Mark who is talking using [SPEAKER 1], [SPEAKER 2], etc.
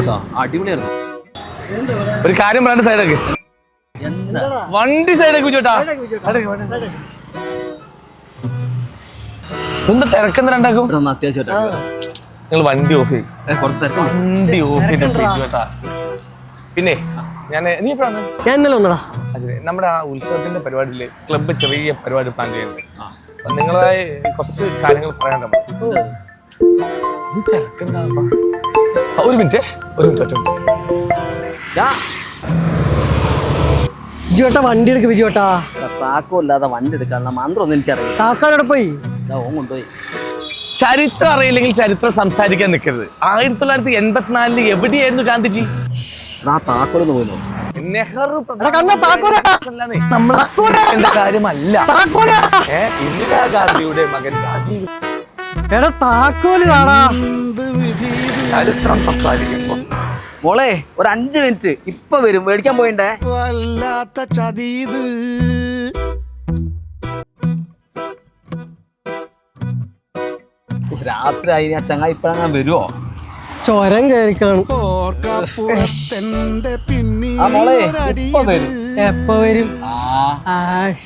[SPEAKER 1] അടിപൊളിയായിരുന്നു.
[SPEAKER 2] ഒരു കാര്യം പറയാൻ സൈഡൊക്കെ വണ്ടി സൈഡൊക്കെ ചേട്ടാ. എന്താ തിരക്കെന്ന് രണ്ടാക്കും?
[SPEAKER 1] അത്യാവശ്യമായിട്ട്
[SPEAKER 2] നിങ്ങൾ വണ്ടി ഓഫ് ചെയ്യും. വണ്ടി ഓഫ് ചെയ്തിട്ടാ. പിന്നെ നീ എപ്പോഴാണ്?
[SPEAKER 3] ഞാൻ ഇന്നലെ വന്നടാ.
[SPEAKER 2] നമ്മുടെ ആ ഉത്സവത്തിന്റെ പരിപാടിയില് ക്ലബ്ബ് ചെറിയ പരിപാടി പ്ലാൻ ചെയ്യുന്നത്. നിങ്ങളായി കുറച്ച് കാര്യങ്ങൾ പറയാനുണ്ട്. ഒരു മിനിറ്റ്
[SPEAKER 3] ബിജുവേട്ടാ വണ്ടി എടുക്ക്. ബിജുവേട്ടാ
[SPEAKER 1] താക്കോല്ലാതെ വണ്ടി എടുക്കാനുള്ള മന്ത്രം ഒന്നും എനിക്കറിയാം.
[SPEAKER 3] താക്കോടെ പോയി
[SPEAKER 1] ഓൻ കൊണ്ടുപോയി.
[SPEAKER 2] ചരിത്രം അറിയില്ലെങ്കിൽ ചരിത്രം സംസാരിക്കാൻ നിൽക്കരുത്. 1984 എവിടെയായിരുന്നു ഗാന്ധിജി?
[SPEAKER 1] താക്കോലൊന്ന് പോയില്ലോ.
[SPEAKER 2] നെഹ്റു
[SPEAKER 3] നമ്മളെ
[SPEAKER 2] കാര്യമല്ല. ഇന്ദിരാഗാന്ധിയുടെ മകൻ രാജീവ്.
[SPEAKER 3] എടാ താക്കോല് കാണാ.
[SPEAKER 2] ചരിത്രം സംസാരിക്കുമ്പോ
[SPEAKER 1] മോളെ ഒരു 5 മിനിറ്റ് ഇപ്പൊ വരും. മേടിക്കാൻ പോയിണ്ടേ.
[SPEAKER 4] വല്ലാത്ത ചതീത്.
[SPEAKER 1] രാത്രി ആയി. ആ ചങ്ങായി ഇപ്പഴാ വരുവോ?
[SPEAKER 3] ചൊരം കയറിക്കാണും.
[SPEAKER 1] ആ മോളെ ഇപ്പൊ വരും.
[SPEAKER 3] എപ്പ വരും?
[SPEAKER 1] ആ